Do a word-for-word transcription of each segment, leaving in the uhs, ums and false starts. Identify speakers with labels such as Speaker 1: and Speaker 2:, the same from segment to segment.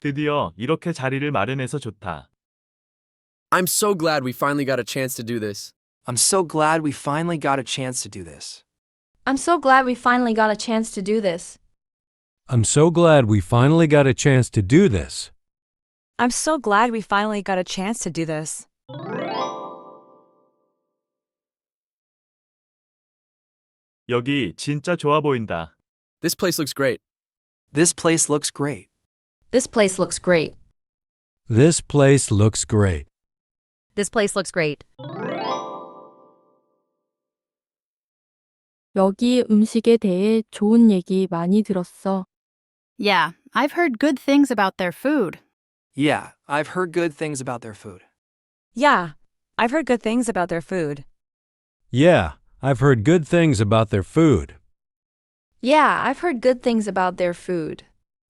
Speaker 1: 드디어 이렇게 자리를 마련해서 좋다.
Speaker 2: I'm so glad we finally got a chance to do this.
Speaker 3: I'm so glad we finally got a chance to do this.
Speaker 4: I'm so glad we finally got a chance to do this.
Speaker 5: I'm so glad we finally got a chance to do this.
Speaker 6: I'm so glad we finally got a chance to do this.
Speaker 1: 여기 진짜 좋아 보인다.
Speaker 2: This place looks great.
Speaker 3: This place looks great.
Speaker 4: This place looks great.
Speaker 5: This place looks great.
Speaker 6: This place looks great.
Speaker 7: 여기 음식에 대해 좋은 얘기 많이 들었어.
Speaker 8: Yeah, I've heard good things about their food.
Speaker 3: Yeah, I've heard good things about their food.
Speaker 6: Yeah, I've heard good things about their food.
Speaker 5: Yeah, I've heard good things about their food.
Speaker 4: Yeah, I've heard good things about their food.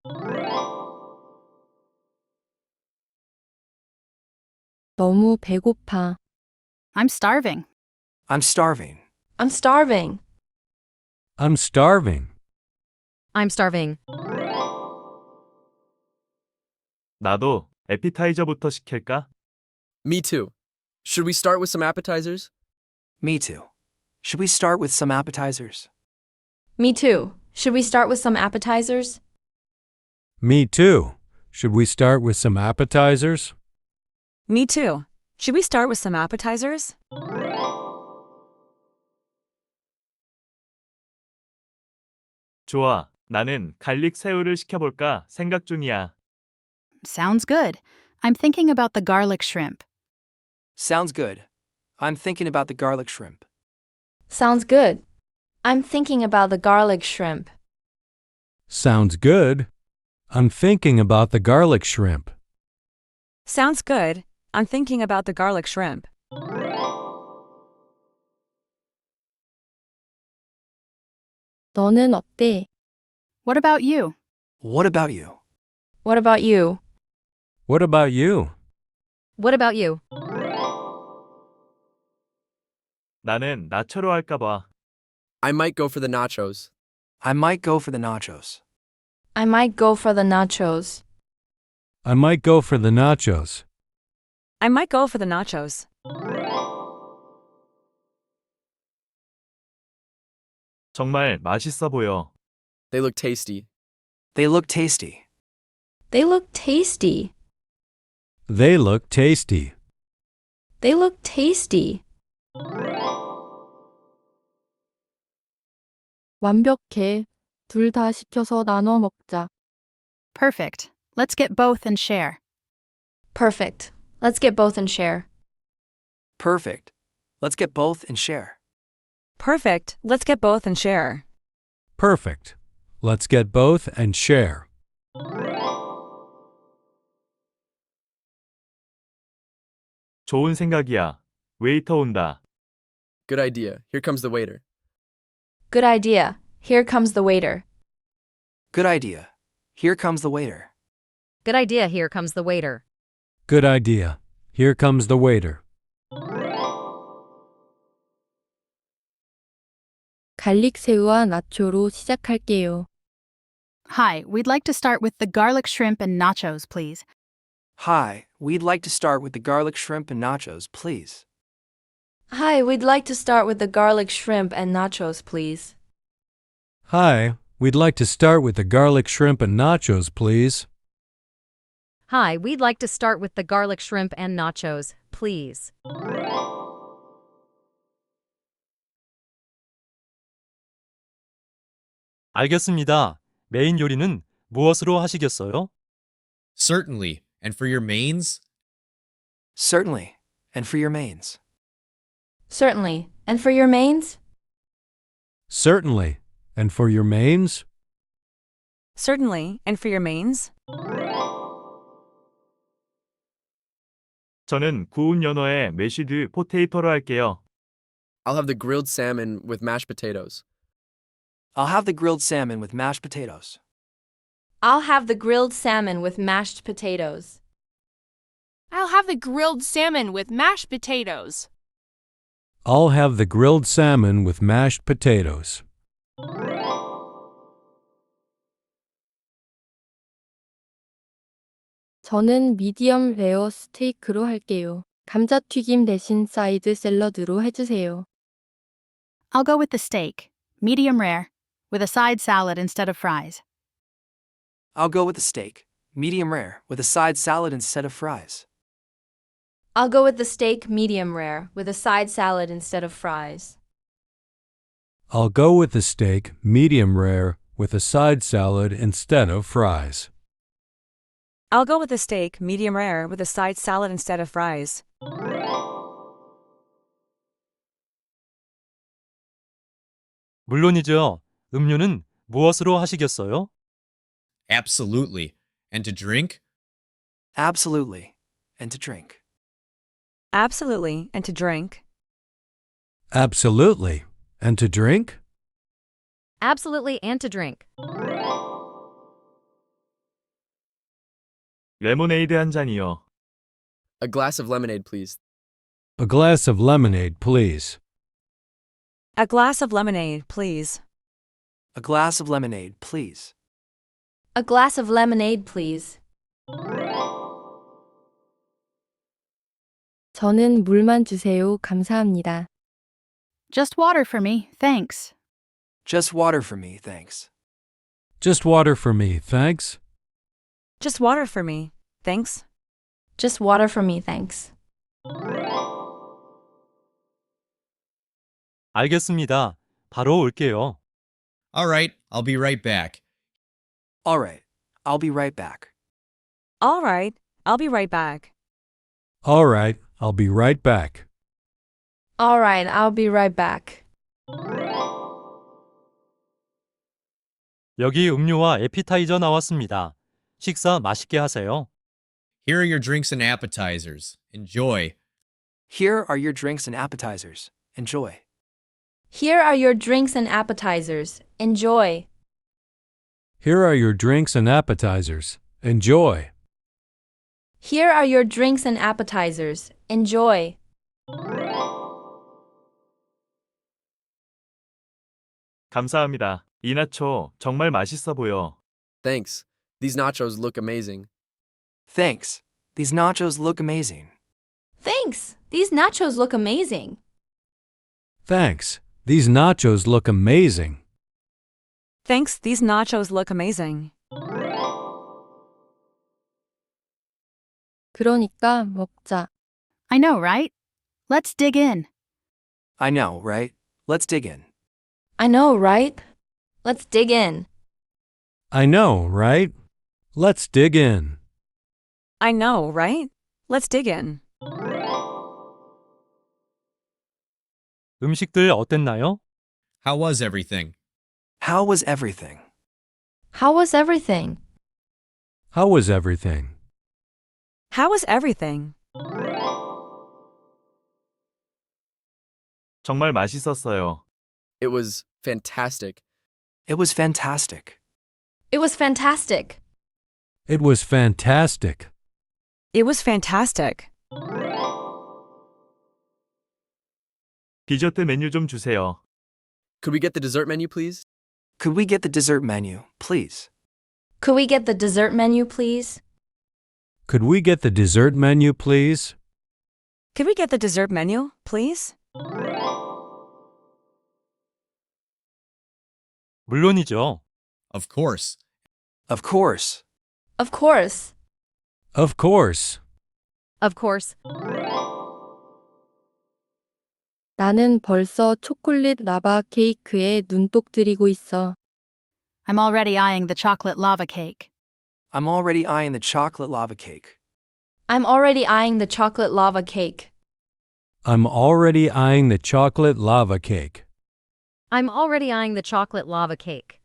Speaker 7: 너무 배고파.
Speaker 8: I'm starving.
Speaker 3: I'm starving.
Speaker 4: I'm starving.
Speaker 5: I'm starving.
Speaker 6: I'm starving.
Speaker 1: 나도 에피타이저부터 시킬까?
Speaker 2: Me too. Should we start with some appetizers?
Speaker 3: Me too. Should we start with some appetizers?
Speaker 4: Me too. Should we start with some appetizers?
Speaker 5: Me too. Should we start with some appetizers?
Speaker 6: Me too. Should we start with some appetizers?
Speaker 1: 좋아. 나는 갈릭 새우를 시켜볼까 생각 중이야.
Speaker 8: Sounds good. I'm thinking about the garlic shrimp.
Speaker 3: Sounds good. I'm thinking about the garlic shrimp.
Speaker 4: Sounds good. I'm thinking about the garlic shrimp.
Speaker 5: Sounds good. I'm thinking about the garlic shrimp.
Speaker 6: Sounds good. I'm thinking about the garlic shrimp.
Speaker 7: 너는 어때?
Speaker 8: What about you?
Speaker 3: What about you?
Speaker 4: What about you?
Speaker 5: What about you?
Speaker 6: What about you?
Speaker 1: 나는 나초로 할까 봐.
Speaker 2: I might go for the nachos.
Speaker 3: I might go for the nachos.
Speaker 4: I might go for the nachos.
Speaker 5: I might go for the nachos.
Speaker 6: I might go for the nachos.
Speaker 1: 정말 맛있어 보여.
Speaker 2: They look tasty.
Speaker 3: They look tasty.
Speaker 4: They look tasty.
Speaker 5: They look tasty.
Speaker 4: They look tasty.
Speaker 7: 완벽해. 둘 다 시켜서 나눠 먹자.
Speaker 8: Perfect. Let's get both and share.
Speaker 4: Perfect. Let's get both and share.
Speaker 3: Perfect. Let's get both and share.
Speaker 6: Perfect. Let's get both and share.
Speaker 5: Perfect. Let's get both and share.
Speaker 1: 좋은 생각이야. 웨이터 온다.
Speaker 2: Good idea. Here comes the waiter.
Speaker 4: Good idea. Here comes the waiter.
Speaker 3: Good idea. Here comes the waiter.
Speaker 6: Good idea. Here comes the waiter.
Speaker 5: Good idea. Here comes the waiter.
Speaker 7: 갈릭 새우와 나초로 시작할게요.
Speaker 8: Hi, we'd like to start with the garlic shrimp and nachos, please.
Speaker 3: Hi, we'd like to start with the garlic shrimp and nachos, please.
Speaker 4: Hi, we'd like to start with the garlic shrimp and nachos, please.
Speaker 5: Hi, we'd like to start with the garlic shrimp and nachos, please.
Speaker 6: Hi, we'd like to start with the garlic shrimp and nachos, please.
Speaker 9: 알겠습니다. 메인 요리는 무엇으로 하시겠어요?
Speaker 10: Certainly. And for your mains?
Speaker 3: Certainly. And for your mains.
Speaker 4: Certainly. And for your mains?
Speaker 5: Certainly. And for your mains?
Speaker 6: Certainly. And for your mains?
Speaker 1: 저는 구운 연어에 메쉬드 포테이토로 할게요.
Speaker 2: I'll have the grilled salmon with mashed potatoes.
Speaker 3: I'll have the grilled salmon with mashed potatoes.
Speaker 4: I'll have the grilled salmon with mashed potatoes.
Speaker 11: I'll have the grilled salmon with mashed potatoes.
Speaker 5: I'll have the grilled salmon with mashed potatoes.
Speaker 7: 저는 미디엄 레어 스테이크로 할게요. 감자튀김 대신 사이드 샐러드로 해주세요.
Speaker 8: I'll go with the steak, medium rare, with a side salad instead of fries.
Speaker 3: I'll go with the steak, medium rare, with a side salad instead of fries.
Speaker 4: I'll go with the steak medium rare with a side salad instead of fries.
Speaker 5: I'll go with the steak medium rare with a side salad instead of fries.
Speaker 12: I'll go with the steak medium rare with a side salad instead of fries.
Speaker 9: 물론이죠. 음료는 무엇으로 하시겠어요?
Speaker 10: Absolutely. And to drink?
Speaker 3: Absolutely. And to drink.
Speaker 12: Absolutely, and to drink.
Speaker 5: Absolutely. And to drink?
Speaker 6: Absolutely, and to drink.
Speaker 1: 레모네이드 한 잔이요.
Speaker 2: A glass of lemonade, please.
Speaker 5: A glass of lemonade, please.
Speaker 12: A glass of lemonade, please.
Speaker 3: A glass of lemonade, please.
Speaker 4: A glass of lemonade, please.
Speaker 7: 저는 물만 주세요. 감사합니다.
Speaker 8: Just water for me, thanks.
Speaker 3: Just water for me, thanks.
Speaker 5: Just water for me, thanks.
Speaker 12: Just water for me, thanks.
Speaker 4: Just water for me, thanks.
Speaker 9: 알겠습니다. 바로 올게요.
Speaker 10: All right, I'll be right back.
Speaker 3: All right, I'll be right back.
Speaker 12: All right, I'll be right back.
Speaker 5: All right, I'll be right back.
Speaker 4: All right, I'll be right back.
Speaker 9: 여기 음료와 에피타이저 나왔습니다. 식사 맛있게 하세요.
Speaker 10: Here are your drinks and appetizers. Enjoy.
Speaker 3: Here are your drinks and appetizers. Enjoy.
Speaker 4: Here are your drinks and appetizers. Enjoy.
Speaker 5: Here are your drinks and appetizers. Enjoy.
Speaker 4: Here are your drinks and appetizers. Enjoy.
Speaker 1: 감사합니다. 이 나초 정말 맛있어 보여.
Speaker 2: Thanks. These nachos look amazing.
Speaker 3: Thanks. These nachos look amazing.
Speaker 4: Thanks. These nachos look amazing.
Speaker 5: Thanks. These nachos look amazing.
Speaker 12: Thanks, these nachos look amazing.
Speaker 7: 그러니까 먹자.
Speaker 8: I know, right? Let's dig in.
Speaker 3: I know, right? Let's dig in.
Speaker 4: I know, right? Let's dig in.
Speaker 5: I know, right? Let's dig in.
Speaker 12: I know, right? Let's dig in.
Speaker 9: 음식들 어땠나요?
Speaker 10: How was everything?
Speaker 3: How was everything?
Speaker 4: How was everything?
Speaker 5: How was everything?
Speaker 12: How was everything?
Speaker 1: 정말 맛있었어요.
Speaker 2: It was fantastic.
Speaker 3: It was fantastic.
Speaker 4: It was fantastic.
Speaker 5: It was fantastic.
Speaker 12: It was fantastic.
Speaker 1: 디저트 메뉴 좀 주세요.
Speaker 2: Could we get the dessert menu, please?
Speaker 3: Could we get the dessert menu, please?
Speaker 4: Could we get the dessert menu, please?
Speaker 5: Could we get the dessert menu, please?
Speaker 12: Could we get the dessert menu, please?
Speaker 9: 물론이죠.
Speaker 10: Of course.
Speaker 3: Of course.
Speaker 4: Of course.
Speaker 5: Of course.
Speaker 6: Of course.
Speaker 7: 나는 벌써 초콜릿 라바 케이크에 눈독 들이고 있어.
Speaker 8: I'm already eyeing the chocolate lava cake.
Speaker 3: I'm already eyeing the chocolate lava cake.
Speaker 4: I'm already eyeing the chocolate lava cake.
Speaker 5: I'm already eyeing the chocolate lava cake.
Speaker 6: I'm already eyeing the chocolate lava cake.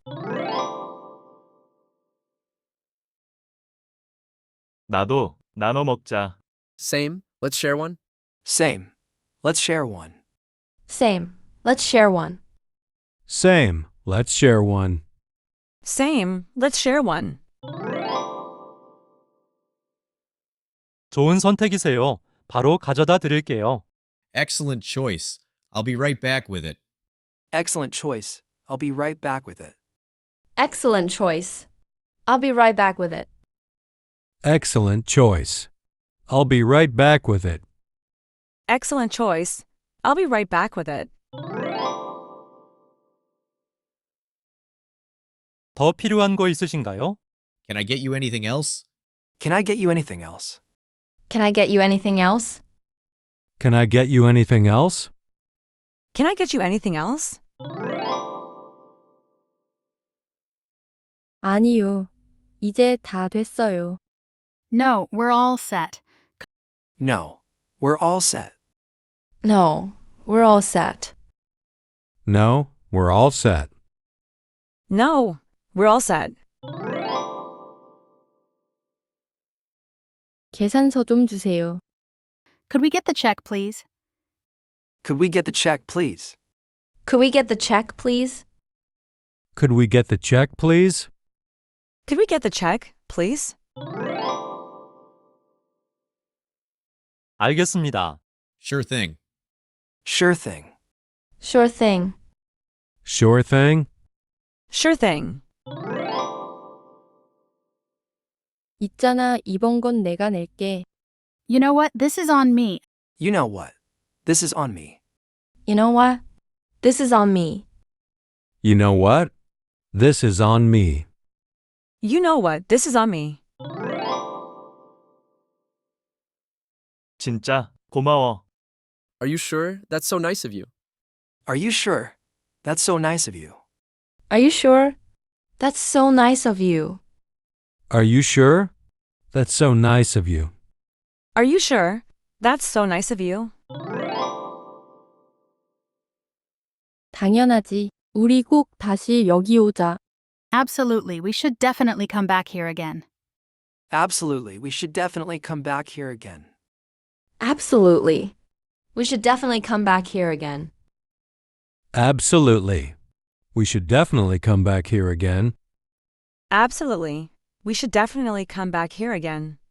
Speaker 1: 나도 나눠 먹자.
Speaker 2: Same. Let's share one.
Speaker 3: Same. Let's share one.
Speaker 4: Same. Let's share one.
Speaker 5: Same. Let's share one.
Speaker 12: Same. Let's share one.
Speaker 9: 좋은 선택이세요. 바로 가져다 드릴게요.
Speaker 10: Excellent choice. I'll be right back with it.
Speaker 3: Excellent choice. I'll be right back with it.
Speaker 4: Excellent choice. I'll be right back with it.
Speaker 5: Excellent choice. I'll be right back with it.
Speaker 12: Excellent choice. I'll be right back with it.
Speaker 9: 더 필요한 거 있으신가요?
Speaker 10: Can I get you anything else?
Speaker 3: Can I get you anything else?
Speaker 4: Can I get you anything else?
Speaker 5: Can I get you anything else?
Speaker 12: Can I get you anything else?
Speaker 7: 아니요. 이제 다 됐어요.
Speaker 8: No, we're all set.
Speaker 3: No, we're all set.
Speaker 4: No, we're all set.
Speaker 5: No, we're all set.
Speaker 12: No, we're all set.
Speaker 7: 계산서 좀 주세요.
Speaker 8: Could we get the check, please?
Speaker 3: Could we get the check, please?
Speaker 4: Could we get the check, please?
Speaker 5: Could we get the check, please?
Speaker 12: Could we get the check, please?
Speaker 9: 알겠습니다.
Speaker 10: Sure thing.
Speaker 3: Sure thing.
Speaker 4: Sure thing.
Speaker 5: Sure thing.
Speaker 12: Sure thing.
Speaker 7: 있잖아, 이번 건 내가 낼게.
Speaker 8: You know what? This is on me.
Speaker 3: You know what? This is on me.
Speaker 4: You know what? This is on me.
Speaker 5: You know what? This is on me.
Speaker 12: You know what? This is on me.
Speaker 1: 진짜 고마워.
Speaker 2: Are you sure? That's so nice of you.
Speaker 3: Are you sure? That's so nice of you.
Speaker 4: Are you sure? That's so nice of you.
Speaker 5: Are you sure? That's so nice of you.
Speaker 12: Are you sure? That's so nice of you.
Speaker 7: 당연하지. 우리 꼭 다시 여기 오자.
Speaker 8: Absolutely, we should definitely come back here again.
Speaker 3: Absolutely, we should definitely come back here again.
Speaker 4: Absolutely. We should definitely come back here again.
Speaker 5: Absolutely. We should definitely come back here again.
Speaker 12: Absolutely. We should definitely come back here again.